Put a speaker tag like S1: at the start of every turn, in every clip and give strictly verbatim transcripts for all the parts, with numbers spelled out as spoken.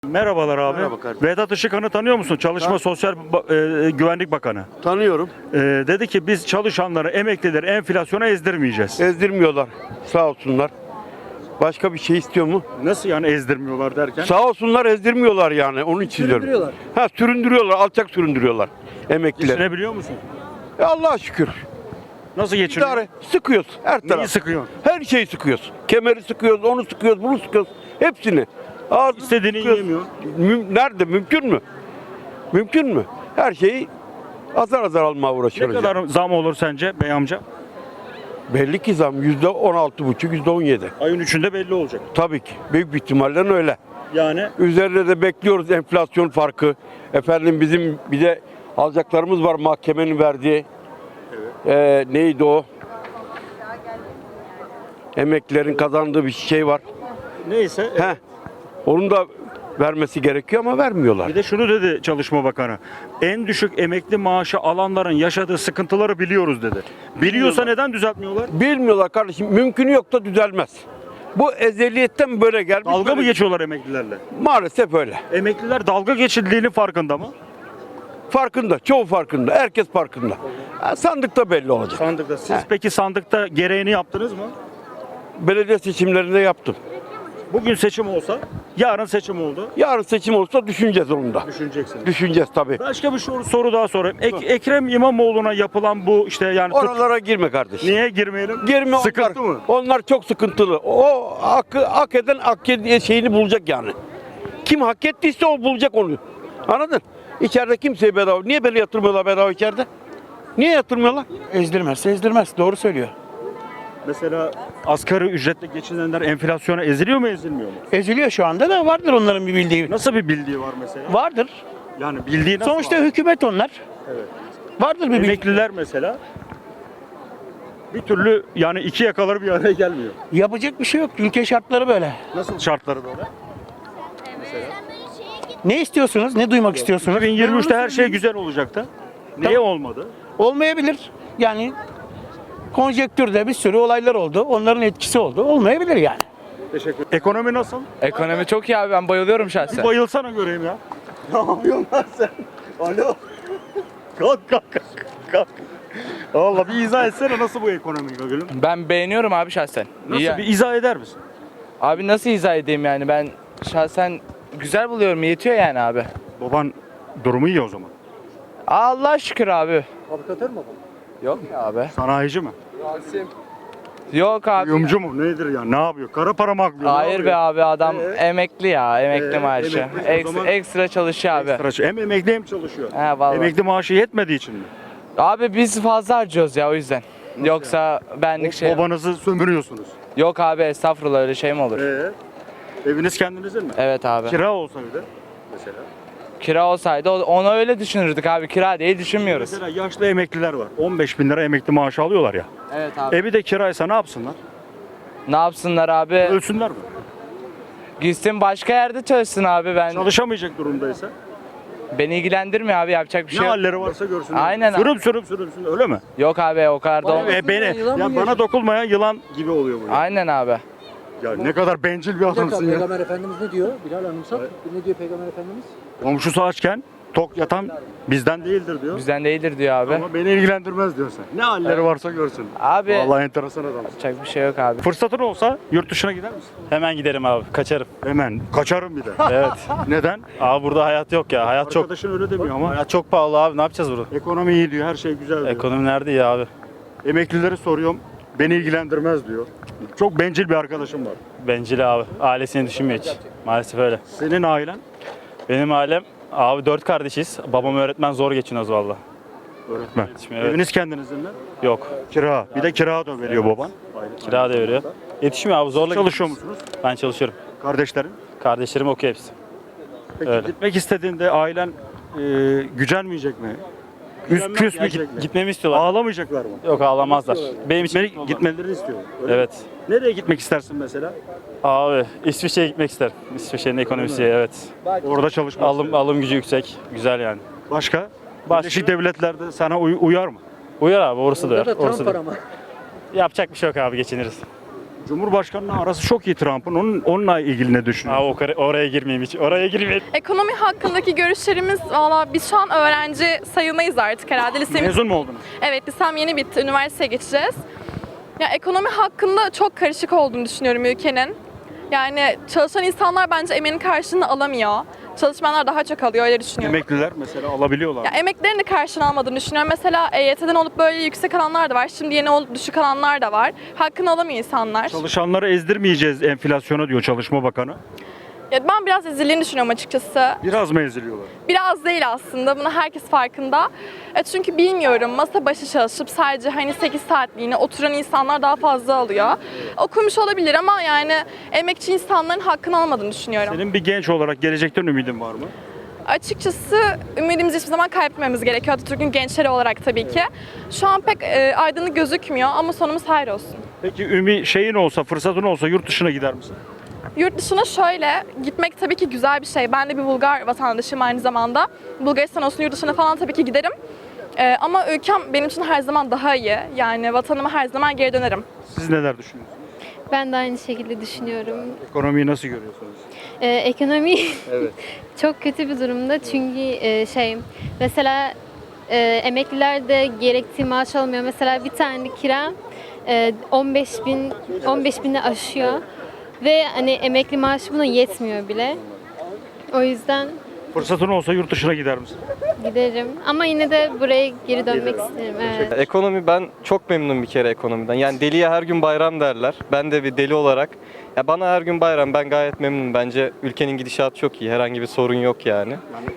S1: Merhabalar abi.
S2: Merhaba kardeşim.
S1: Vedat Işıkhan'ı tanıyor musun? Çalışma
S2: Tan-
S1: Sosyal Ba- e, Güvenlik Bakanı.
S2: Tanıyorum.
S1: E, dedi ki biz çalışanları, emeklileri enflasyona ezdirmeyeceğiz.
S2: Ezdirmiyorlar. Sağ olsunlar. Başka bir şey istiyor mu?
S1: Nasıl yani ezdirmiyorlar derken?
S2: Sağ olsunlar, ezdirmiyorlar yani. Onun için diyorum.
S3: Süründürüyorlar.
S2: Ha, süründürüyorlar. Alçak süründürüyorlar emekliler.
S1: Geçinebiliyor musun?
S2: E, Allah'a şükür.
S1: Nasıl geçiniyor?
S2: İdare. Sıkıyoruz her
S1: Neyi
S2: taraf.
S1: sıkıyor?
S2: Her şeyi sıkıyoruz. Kemeri sıkıyoruz, onu sıkıyoruz, bunu sıkıyoruz. Hepsini. Ağzını
S1: İstediğini
S2: sıkıyoruz.
S1: yiyemiyor.
S2: Müm- Nerede? Mümkün mü? Mümkün mü? Her şeyi azar azar almaya
S1: Ne
S2: uğraşıyoruz. ya.
S1: kadar zam olur sence bey amca?
S2: Belli ki zam yüzde on altı buçuk, yüzde on yedi.
S1: Ayın üçünde belli olacak.
S2: Tabii ki. Büyük bir ihtimalle öyle.
S1: Yani
S2: Üzerine de bekliyoruz enflasyon farkı. Efendim bizim bir de alacaklarımız var mahkemenin verdiği. Ee, neydi o? Emeklilerin kazandığı bir şey var.
S1: neyse. e,
S2: Heh. Onun da vermesi gerekiyor ama vermiyorlar.
S1: Bir de şunu dedi Çalışma Bakanı. En düşük emekli maaşı alanların yaşadığı sıkıntıları biliyoruz dedi. Biliyorsa neden düzeltmiyorlar?
S2: Bilmiyorlar kardeşim. Mümkünü yok da düzelmez. Bu ezeliyetten böyle gelmiş.
S1: Dalga mı
S2: böyle-
S1: geçiyorlar emeklilerle?
S2: Maalesef öyle.
S1: Emekliler dalga geçildiğinin farkında mı?
S2: Farkında. Çoğu farkında. Herkes farkında. Ha, sandıkta belli olacak.
S1: Sandıkta. Siz
S2: Heh.
S1: peki sandıkta gereğini yaptınız mı?
S2: Belediye seçimlerinde yaptım.
S1: Bugün seçim olsa, yarın seçim oldu.
S2: Yarın seçim olsa düşüneceğiz onu da.
S1: Düşüneceksiniz.
S2: Düşüneceğiz tabii.
S1: Başka bir soru, soru daha sorayım. Ek- Ekrem İmamoğlu'na yapılan bu işte yani tut-
S2: Oralara girme kardeşim.
S1: niye girmeyelim?
S2: Girme
S1: Sıkıntı
S2: onlar.
S1: mı?
S2: Onlar çok sıkıntılı. O hakkı hak eden hak ed- şeyini bulacak yani. Kim hak ettiyse o bulacak onu. Anladın? İçeride kimseye bedava. Niye beni yatırmıyorlar bedava içeride? Niye yatırmıyorlar?
S3: Ezdirmezse ezdirmez. Doğru söylüyor.
S1: Mesela asgari ücretle geçinenler enflasyona eziliyor mu ezilmiyor mu?
S3: Eziliyor şu anda da vardır onların bir bildiği.
S1: Nasıl bir bildiği var mesela?
S3: Vardır.
S1: Yani bildiği nasıl
S3: Sonuçta
S1: var?
S3: hükümet onlar.
S1: Evet.
S3: Vardır bir bildiği.
S1: Emekliler mesela bir türlü yani iki yakaları bir araya gelmiyor.
S3: Yapacak bir şey yok. Ülke şartları böyle.
S1: Nasıl şartları böyle?
S3: Ne istiyorsunuz? Ne duymak istiyorsunuz?
S1: iki bin yirmi üçte her şey güzel olacaktı. Niye olmadı?
S3: Olmayabilir. Yani konjektürde bir sürü olaylar oldu. Onların etkisi oldu. Olmayabilir yani.
S1: Teşekkür Ekonomi nasıl?
S4: Ekonomi çok iyi abi, ben bayılıyorum
S1: Bir
S4: şahsen.
S1: bayılsana göreyim ya. Ne yapıyorsun lan sen? Alo. Kalk kalk kalk. kalk. Valla bir izah etsene nasıl bu ekonomi gülüm?
S4: Ben beğeniyorum abi şahsen.
S1: Nasıl
S4: İyi.
S1: bir izah eder misin?
S4: Abi nasıl izah edeyim yani, ben şahsen güzel buluyorum, yetiyor yani abi.
S1: Baban durumu iyi o zaman.
S4: Allah şükür abi.
S3: Fabrikatör mü bu?
S4: Yok ya abi.
S1: Sanayici mi?
S4: Yok abi.
S1: Kuyumcu mu? Nedir ya? Ne yapıyor? Kara para mı aklıyor? Ne
S4: Hayır be
S1: yapıyor?
S4: abi, adam
S1: Ee?
S4: emekli ya, emekli
S1: Ee,
S4: maaşı.
S1: emekli, o
S4: Eks-
S1: zaman-
S4: ekstra çalışıyor abi.
S1: Ekstra- Hem emekli hem çalışıyor.
S4: He vallahi.
S1: Emekli maaşı yetmediği için mi?
S4: Abi biz fazla harcıyoruz ya, o yüzden. Yoksa benlik şey.
S1: Babanızı sömürüyorsunuz.
S4: Yok abi, estağfurullah, öyle şey mi olur?
S1: Ee, eviniz kendinizin mi?
S4: Evet abi.
S1: Kira olsa bir de mesela.
S4: Kira olsaydı o- onu öyle düşünürdük abi. Kira değil düşünmüyoruz.
S1: Mesela yaşlı emekliler var. on beş bin lira emekli maaşı alıyorlar ya.
S4: Evet abi.
S1: Evi de kiraysa ne yapsınlar?
S4: Ne yapsınlar abi?
S1: Ölsünler mi?
S4: Gitsin başka yerde çalışsın abi, ben.
S1: Çalışamayacak durumdaysa
S4: Beni ilgilendirmiyor abi, yapacak bir
S1: ne
S4: şey yok.
S1: halleri varsa görsünler.
S4: Aynen abi.
S1: Sürüm sürüm sürüm sürüm öyle mi?
S4: Yok abi, o kadar da olmaz.
S1: E, beni ya bana dokunmayan yılan gibi oluyor bu. Ya,
S4: Aynen abi.
S1: ya ne kadar bencil bir
S5: Bir dakika,
S1: adamsın ya.
S5: Peygamber Efendimiz ne diyor? Bilal anımsat. Ne diyor Peygamber Efendimiz?
S1: Komşusu açken tok yatan bizden değildir diyor.
S4: Bizden değildir diyor abi.
S1: Ama beni ilgilendirmez diyor sen. Ne halleri varsa görsün.
S4: Abi
S1: Vallahi enteresan adamsın.
S4: yapacak bir şey yok abi.
S1: Fırsatın olsa yurt dışına gider misin?
S6: Hemen giderim abi. Kaçarım.
S1: Hemen. Kaçarım bir de.
S6: Evet.
S1: Neden?
S6: Abi burada hayat yok ya. Hayat çok
S1: Arkadaşın öyle demiyor ama.
S6: hayat çok pahalı abi. Ne yapacağız burada?
S1: Ekonomi iyi diyor, her şey güzel diyor.
S6: Ekonomi nerede ya abi?
S1: Emeklileri soruyorum, beni ilgilendirmez diyor. Çok bencil bir arkadaşım var.
S6: Bencil abi. Ailesini düşünmüyor hiç. Maalesef öyle.
S1: Senin ailen?
S6: Benim ailem abi dört kardeşiz. Babam öğretmen, zor geçiniyoruz valla.
S1: Öğretmen.
S6: Evet.
S1: Eviniz kendinizin mi?
S6: Yok.
S1: Kira. Bir de kira da veriyor baban.
S6: Kira da veriyor. Yetişmiyor abi, zorla
S1: Çalışıyor
S6: geçiniyoruz.
S1: musunuz?
S6: Ben çalışıyorum.
S1: Kardeşlerin?
S6: Kardeşlerim okuyor hepsi.
S1: Peki
S6: Öyle.
S1: gitmek istediğinde ailen e, gücenmeyecek mi? Küs, küs mü git,
S6: Gitmemi istiyorlar.
S1: Ağlamayacaklar mı?
S6: Yok, ağlamazlar. Benim için
S1: Gitmeli, gitmelerini istiyor. Öyle mi?
S6: Evet.
S1: Nereye gitmek istersin mesela?
S6: Abi İsviçre'ye gitmek isterim. İsviçre'nin ekonomisi, evet.
S1: Orada çalışmak
S6: Alım
S1: istiyor.
S6: alım gücü yüksek. Güzel yani.
S1: Başka?
S6: Başka?
S1: Birleşik Devletler'de sana uy- uyar mı?
S6: Uyar abi, orası da
S5: Orada
S6: uyar.
S5: da
S6: Orası
S5: Trump
S6: da.
S5: var ama.
S6: Yapacak bir şey yok abi, geçiniriz.
S1: Cumhurbaşkanının arası çok iyi Trump'ın. Onun, onunla ilgili ne düşünüyorsun?
S6: Aa, o kare- oraya girmeyeyim hiç. Oraya girmeyeyim.
S7: Ekonomi hakkındaki görüşlerimiz valla biz şu an öğrenci sayılmayız artık herhalde. Lisemiz,
S1: Mezun mu oldunuz?
S7: evet lisem yeni bitti. Üniversiteye geçeceğiz. Ya ekonomi hakkında çok karışık olduğunu düşünüyorum ülkenin. Yani çalışan insanlar bence emeğinin karşılığını alamıyor. Çalışmayanlar daha çok alıyor öyle düşünüyorum.
S1: Emekliler mesela alabiliyorlar.
S7: Ya emeklerin de karşılığını almadığını düşünüyorum. Mesela E Y T'den olup böyle yüksek alanlar da var. Şimdi yeni olup düşük alanlar da var. Hakkını alamıyor insanlar.
S1: Çalışanları ezdirmeyeceğiz enflasyona diyor Çalışma Bakanı.
S7: Ya ben biraz ezildiğini düşünüyorum açıkçası.
S1: Biraz mı eziliyorlar?
S7: Biraz değil aslında. Bunu herkes farkında. E çünkü bilmiyorum masa başı çalışıp sadece hani sekiz saatliğine oturan insanlar daha fazla alıyor. Okumuş olabilir ama yani emekçi insanların hakkını almadığını düşünüyorum.
S1: Senin bir genç olarak gelecekten ümidin var mı?
S7: Açıkçası ümidimizi hiçbir zaman kaybetmememiz gerekiyor. Atatürk'ün gençleri olarak tabii ki. Şu an pek e, aydınlık gözükmüyor ama sonumuz hayır olsun.
S1: Peki ümit şeyin olsa, fırsatın olsa yurt dışına gider misin?
S7: Yurt dışına şöyle gitmek tabii ki güzel bir şey. Ben de bir Bulgar vatandaşıyım aynı zamanda. Bulgaristan olsun yurt dışına falan tabii ki giderim. Ee, ama ülkem benim için her zaman daha iyi. Yani vatanıma her zaman geri dönerim.
S1: Siz neler düşünüyorsunuz?
S8: Ben de aynı şekilde düşünüyorum.
S1: Ekonomiyi nasıl görüyorsunuz?
S8: Ee, ekonomi
S1: Evet.
S8: çok kötü bir durumda çünkü e, şey mesela e, emekliler de gerektiği maaş almıyor. Mesela bir tane kira e, on beş bin on beş bini aşıyor ve hani emekli maaşı buna yetmiyor bile. O yüzden
S1: Fırsatın olsa yurt dışına gider misin?
S8: giderim ama yine de buraya geri dönmek isterim. Evet.
S9: Ekonomi ben çok memnunum bir kere ekonomiden. Yani deliye her gün bayram derler. Ben de bir deli olarak. Ya bana her gün bayram ben gayet memnunum. Bence ülkenin gidişatı çok iyi. Herhangi bir sorun yok yani.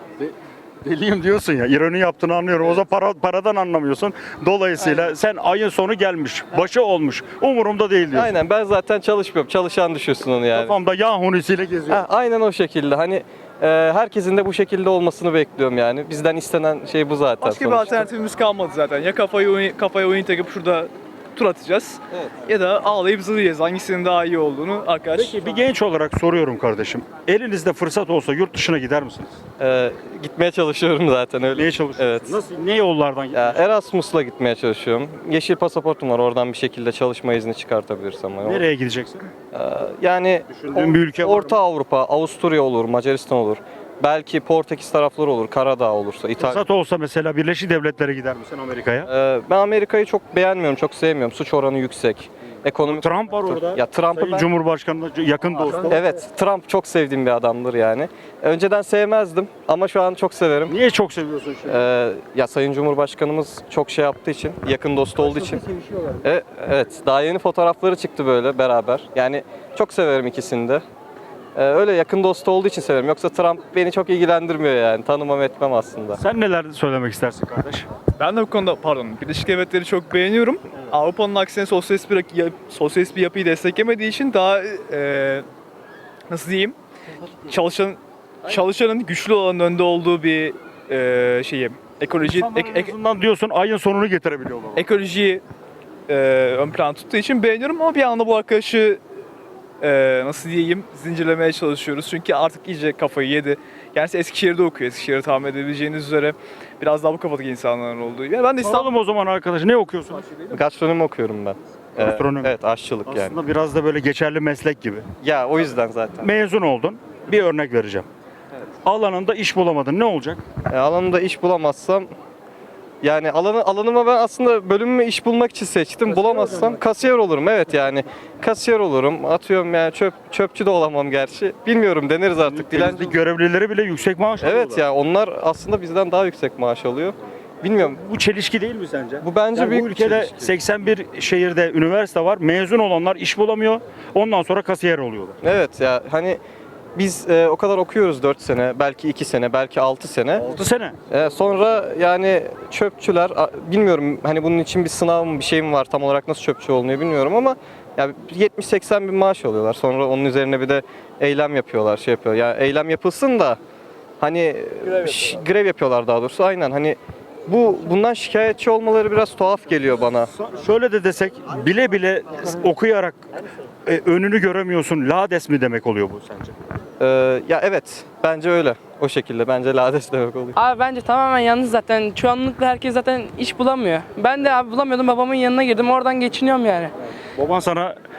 S1: Deliyim diyorsun ya, ironi yaptığını anlıyorum. O zaman para, paradan anlamıyorsun. Dolayısıyla sen ayın sonu gelmiş, başı olmuş, umurumda değil diyorsun.
S9: Aynen ben zaten çalışmıyorum. Çalışan düşüyorsun onu yani.
S1: Kafamda yağ hunisiyle geziyorum.
S9: Ha, aynen o şekilde. Hani e, herkesin de bu şekilde olmasını bekliyorum yani. Bizden istenen şey bu zaten.
S10: Başka bir
S9: sonuçta.
S10: alternatifimiz kalmadı zaten. Ya kafayı oyun, kafaya oyun takıp şurada tur atacağız. Ya da ağlayıp zırlayacağız. Hangisinin daha iyi olduğunu arkadaş.
S1: Peki bir genç olarak soruyorum kardeşim. Elinizde fırsat olsa yurt dışına gider misiniz?
S9: E, gitmeye çalışıyorum zaten öyle.
S1: Neye çalışıyorsunuz?
S9: Evet.
S1: Nasıl, ne yollardan
S9: Ya Erasmus'la gitmeye çalışıyorum. Yeşil pasaportum var. Oradan bir şekilde çalışma izni çıkartabilirsem. Yani.
S1: Nereye gideceksin?
S9: Ee, Yani
S1: Düşündüğün bir ülke var mı?
S9: Orta Avrupa, Avusturya olur, Macaristan olur. Belki Portekiz tarafları olur, Karadağ olursa, İtalya.
S1: Fırsat olsa mesela Birleşik Devletlere gider misin Amerika'ya?
S9: Ee, ben Amerika'yı çok beğenmiyorum, çok sevmiyorum. Suç oranı yüksek. Ekonomik
S1: Trump var orada.
S9: Ya Trump'ı
S1: Sayın
S9: ben...
S1: Cumhurbaşkanı'na yakın dostu.
S9: Evet, Trump çok sevdiğim bir adamdır yani. Önceden sevmezdim ama şu an çok severim.
S1: Niye çok seviyorsun şimdi?
S9: Ee, ya Sayın Cumhurbaşkanımız çok şey yaptığı için, yakın dostu olduğu için. E, evet, daha yeni fotoğrafları çıktı böyle beraber. Yani çok severim ikisini de. Ee, öyle yakın dostu olduğu için severim. Yoksa Trump beni çok ilgilendirmiyor yani. Tanımam etmem aslında.
S1: Sen neler söylemek istersin kardeş?
S10: Ben de bu konuda pardon Birleşik Devletleri çok beğeniyorum. Avrupa'nın aksine sosyalist bir, ya- sosyalist bir yapıyı desteklemediği için daha e, nasıl diyeyim çalışan çalışanın güçlü olanın önde olduğu bir e, şeyi ekoloji
S1: İnsanların
S10: ek-
S1: en
S10: ek-
S1: azından diyorsun ayın sonunu getirebiliyorlar.
S10: ekolojiyi e, ön plan tuttuğu için beğeniyorum ama bir anda bu arkadaşı e, nasıl diyeyim zincirlemeye çalışıyoruz. Çünkü artık iyice kafayı yedi. Kendisi Eskişehir'de okuyor. Eskişehir'i tahmin edebileceğiniz üzere biraz daha bu kafadaki insanların olduğu. Yani ben de İstanbul
S1: Soralım o zaman arkadaş ne okuyorsun?
S9: Gastronomi okuyorum ben. Ee,
S1: Gastronomi.
S9: Evet, aşçılık yani.
S1: Aslında biraz da böyle geçerli meslek gibi.
S9: Ya o yüzden zaten.
S1: Mezun oldun. Bir örnek vereceğim. Alanında iş bulamadın. Ne olacak?
S9: E, alanımda iş bulamazsam yani alanı alanıma ben aslında bölümümü iş bulmak için seçtim. Bulamazsam kasiyer olurum. Evet yani kasiyer olurum. Atıyorum yani çöp çöpçü de olamam gerçi. Bilmiyorum deneriz artık. Dilenci.
S1: Temizlik görevlileri bile yüksek maaş
S9: Evet
S1: alıyorlar.
S9: ya onlar aslında bizden daha yüksek maaş alıyor. Bilmiyorum.
S1: Bu çelişki değil mi sence?
S9: Bu bence
S1: Yani
S9: büyük
S1: bu
S9: bir
S1: ülkede
S9: çelişki.
S1: seksen bir şehirde üniversite var. Mezun olanlar iş bulamıyor. Ondan sonra kasiyer oluyorlar.
S9: Evet ya hani biz e, o kadar okuyoruz dört sene, belki iki sene, belki altı sene.
S1: altı sene.
S9: E, sonra yani çöpçüler a- bilmiyorum hani bunun için bir sınav mı bir şey mi var tam olarak nasıl çöpçü olunuyor bilmiyorum ama ya yetmiş seksen bin maaş alıyorlar. Sonra onun üzerine bir de eylem yapıyorlar, şey yapıyor. Ya eylem yapılsın da hani ş- grev yapıyorlar daha doğrusu. Aynen hani bu bundan şikayetçi olmaları biraz tuhaf geliyor bana.
S1: Şöyle de desek bile bile okuyarak e, önünü göremiyorsun. Lades mi demek oluyor bu sence?
S9: Ee, ya evet bence öyle. O şekilde bence lades demek oluyor.
S11: Abi bence tamamen yanlış zaten. Çoğunlukla herkes zaten iş bulamıyor. Ben de abi bulamıyordum babamın yanına girdim oradan geçiniyorum yani.
S1: Baban sana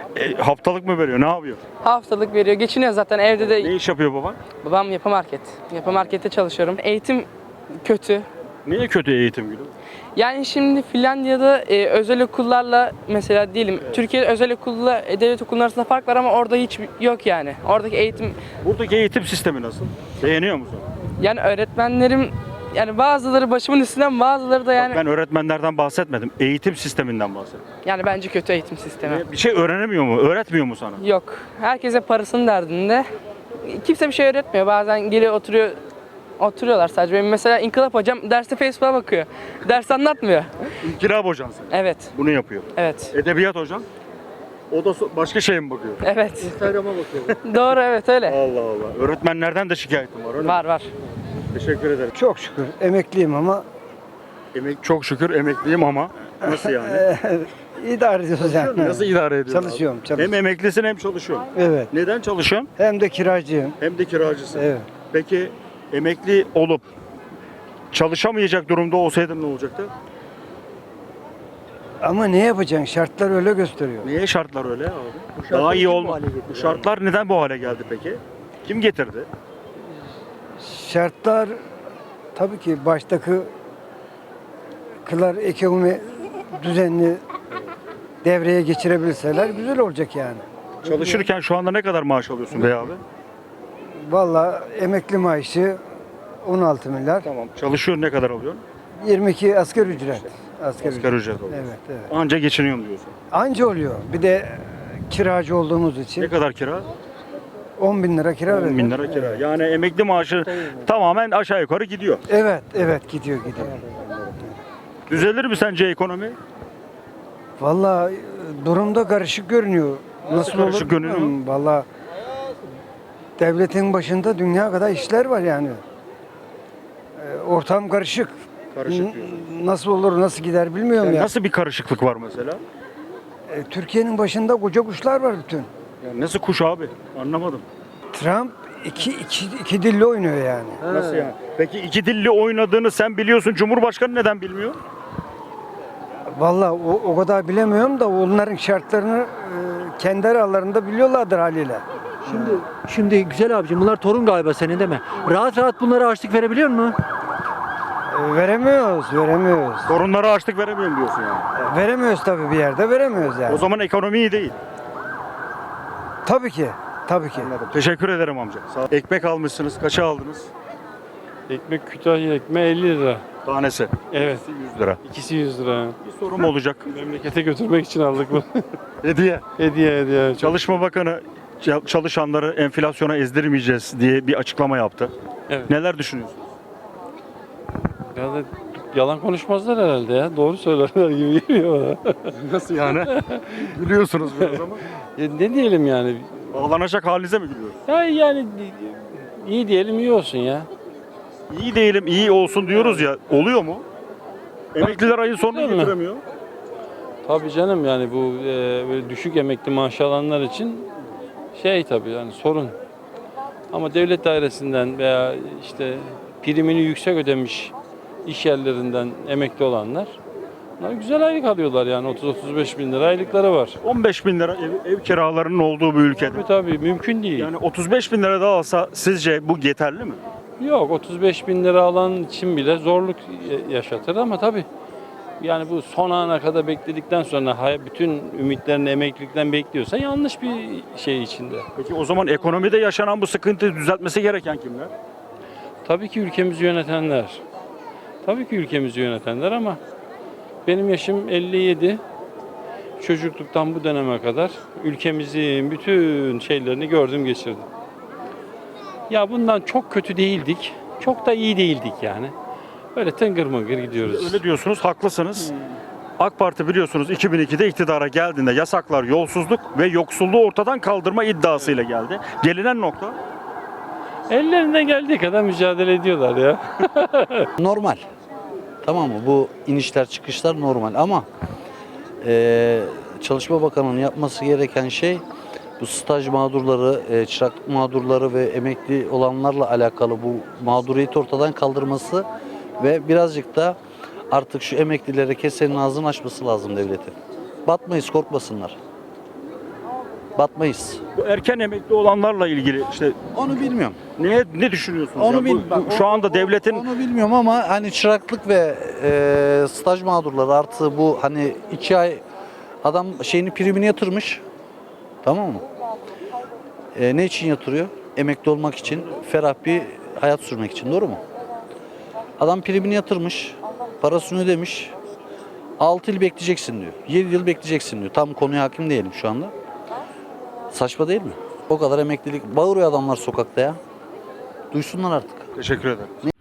S1: E, haftalık mı veriyor? Ne yapıyor?
S11: Haftalık veriyor. Geçiniyor zaten evde
S1: Ne
S11: de.
S1: iş yapıyor baban?
S11: Babam yapı market. Yapı markette çalışıyorum. Eğitim kötü.
S1: Niye kötü eğitim gülüm?
S11: Yani şimdi Finlandiya'da e, özel okullarla mesela diyelim Türkiye'de özel okulla e, devlet okulları arasında fark var ama orada hiç yok yani. Oradaki eğitim
S1: Buradaki eğitim sistemi nasıl? Beğeniyor musun?
S11: yani öğretmenlerim yani bazıları başımın üstünden bazıları da yani
S1: Ben öğretmenlerden bahsetmedim. Eğitim sisteminden bahsettim.
S11: yani bence kötü eğitim sistemi.
S1: Bir şey öğrenemiyor mu? Öğretmiyor mu sana?
S11: Yok. Herkese parasının derdinde. Kimse bir şey öğretmiyor. Bazen geliyor oturuyor oturuyorlar sadece. Benim mesela İnkılap hocam derste Facebook'a bakıyor. Ders anlatmıyor.
S1: Kirab hocan sen.
S11: Evet.
S1: Bunu yapıyor.
S11: Evet.
S1: Edebiyat hocan. O da so- başka şeye mi bakıyor?
S11: Evet.
S5: Instagram'a bakıyor.
S11: Doğru evet öyle.
S1: Allah Allah. Öğretmenlerden de şikayetim var öyle mi?
S11: Var var.
S1: Teşekkür ederim.
S3: Çok şükür emekliyim ama
S1: Emek çok şükür emekliyim ama nasıl yani?
S3: idare ediyoruz yani.
S1: Nasıl idare ediyorsun?
S3: Çalışıyorum,
S1: abi?
S3: çalışıyorum.
S1: Hem emeklisin hem çalışıyorsun.
S3: Evet.
S1: Neden çalışıyorsun?
S3: Hem de kiracıyım.
S1: Hem de kiracısın.
S3: Evet.
S1: Peki emekli olup çalışamayacak durumda olsaydın ne olacaktı?
S3: Ama ne yapacaksın? Şartlar öyle gösteriyor.
S1: Niye şartlar öyle abi?
S5: şartlar
S1: Daha iyi
S5: kim bu
S1: olma.
S5: hale getirdi
S1: Bu şartlar neden bu hale geldi peki? Kim getirdi?
S3: Şartlar tabii ki baştaki kılar ekonomi düzenli devreye geçirebilseler güzel olacak yani.
S1: Çalışırken şu anda ne kadar maaş alıyorsun bey abi?
S3: Vallahi emekli maaşı on altı milyar.
S1: Tamam. Çalışıyorsun ne kadar alıyorsun?
S3: yirmi iki asgari ücret. Asgari
S1: Asgari ücret alıyorsun.
S3: Evet, evet.
S1: Anca geçiniyorum diyorsun.
S3: Anca oluyor. Bir de kiracı olduğumuz için
S1: Ne kadar kira?
S3: on bin lira kira
S1: on bin
S3: veriyorum.
S1: lira kira. Yani emekli maaşı tamamen aşağı yukarı gidiyor.
S3: Evet, evet gidiyor gidiyor.
S1: Düzelir mi sence ekonomi?
S3: Vallahi e, durumda karışık görünüyor. Nasıl,
S1: karışık
S3: olur
S1: görünüyor?
S3: bilmiyorum. Vallahi devletin başında dünya kadar işler var yani. E, Ortam karışık.
S1: Karışık
S3: N-
S1: diyorsun.
S3: Nasıl olur, nasıl gider bilmiyorum
S1: Yani
S3: ya.
S1: nasıl bir karışıklık var mesela?
S3: E, Türkiye'nin başında koca kuşlar var bütün.
S1: Yani nasıl kuş abi? Anlamadım.
S3: Trump iki, iki, iki dilli oynuyor yani.
S1: Nasıl yani? Peki iki dilli oynadığını sen biliyorsun. Cumhurbaşkanı neden bilmiyor?
S3: Vallahi o, o kadar bilemiyorum da onların şartlarını e, kendi aralarında biliyorlardır haliyle.
S5: Şimdi şimdi güzel abicim bunlar torun galiba senin değil mi? Rahat rahat bunlara açlık verebiliyor mu?
S3: E, veremiyoruz, veremiyoruz.
S1: Sorunlara açlık veremiyorum diyorsun yani.
S3: E, veremiyoruz tabii bir yerde, veremiyoruz yani.
S1: O zaman ekonomi iyi değil.
S3: Tabii ki, tabii ki.
S1: Teşekkür ederim amca. Sağ ol. Ekmek almışsınız. Kaça aldınız?
S2: Ekmek Kütahya ekmeği elli lira.
S1: Tanesi.
S2: Evet.
S1: yüz lira.
S2: İkisi yüz lira.
S1: Bir sorum olacak.
S2: Memlekete götürmek için aldık bunu.
S1: Hediye.
S2: hediye hediye.
S1: Çalışma Bakanı ç- çalışanları enflasyona ezdirmeyeceğiz diye bir açıklama yaptı.
S2: Evet.
S1: Neler düşünüyorsunuz?
S2: Ya da yalan konuşmazlar herhalde ya. Doğru söylerler gibi geliyor bana.
S1: Nasıl yani? Gülüyorsunuz biraz ama.
S2: Ya ne diyelim yani?
S1: Ağlanacak halinize mi gülüyorsunuz?
S2: Ya yani iyi diyelim iyi olsun ya.
S1: İyi değilim, iyi olsun diyoruz ya. Oluyor mu? Emekliler ayın sonunu
S2: Değil mi?
S1: getiremiyor.
S2: Tabii canım yani bu e, böyle düşük emekli maaş alanlar için şey tabii yani sorun. Ama devlet dairesinden veya işte primini yüksek ödemiş iş yerlerinden emekli olanlar bunlar güzel aylık alıyorlar yani otuz otuz beş bin lira aylıkları var.
S1: on beş bin lira ev, ev kiralarının olduğu bir ülkede.
S2: Tabii tabii mümkün değil.
S1: Yani otuz beş bin lira daha alsa sizce bu yeterli mi?
S2: Yok otuz beş bin lira alan için bile zorluk yaşatır ama tabii yani bu son ana kadar bekledikten sonra hay- bütün ümitlerini emeklilikten bekliyorsa yanlış bir şey içinde.
S1: Peki o zaman ekonomide yaşanan bu sıkıntıyı düzeltmesi gereken kimler?
S2: Tabii ki ülkemizi yönetenler. Tabii ki ülkemizi yönetenler ama benim yaşım elli yedi. Çocukluktan bu döneme kadar ülkemizin bütün şeylerini gördüm geçirdim. Ya bundan çok kötü değildik. Çok da iyi değildik yani. Böyle tıngır mıngır gidiyoruz.
S1: Öyle diyorsunuz, haklısınız. AK Parti biliyorsunuz iki bin ikide iktidara geldiğinde yasaklar, yolsuzluk ve yoksulluğu ortadan kaldırma iddiasıyla geldi. Gelinen nokta
S2: Ellerinden geldiği kadar mücadele ediyorlar ya.
S12: Normal. Tamam mı? Bu inişler çıkışlar normal ama eee Çalışma Bakanı'nın yapması gereken şey bu staj mağdurları, e, çıraklık mağdurları ve emekli olanlarla alakalı bu mağduriyeti ortadan kaldırması ve birazcık da artık şu emeklilere kesenin ağzını açması lazım devletin. Batmayız, korkmasınlar. batmayız.
S1: Bu erken emekli olanlarla ilgili işte
S12: Onu bilmiyorum.
S1: ne ne düşünüyorsunuz?
S12: Onu
S1: ya? Bu-
S12: bil-
S1: bu-
S12: bak,
S1: şu
S12: o-
S1: anda devletin
S12: Onu bilmiyorum ama hani çıraklık ve e, staj mağdurları artı bu hani iki ay adam şeyini primini yatırmış. Tamam mı? E, ne için yatırıyor? Emekli olmak için, ferah bir hayat sürmek için. Doğru mu? Adam primini yatırmış, parasını ödemiş. altı yıl bekleyeceksin diyor. yedi yıl bekleyeceksin diyor. Tam konuya hakim değilim şu anda. Saçma değil mi? O kadar emeklilik. Bağırıyor adamlar sokakta ya. Duysunlar artık.
S1: teşekkür ederim.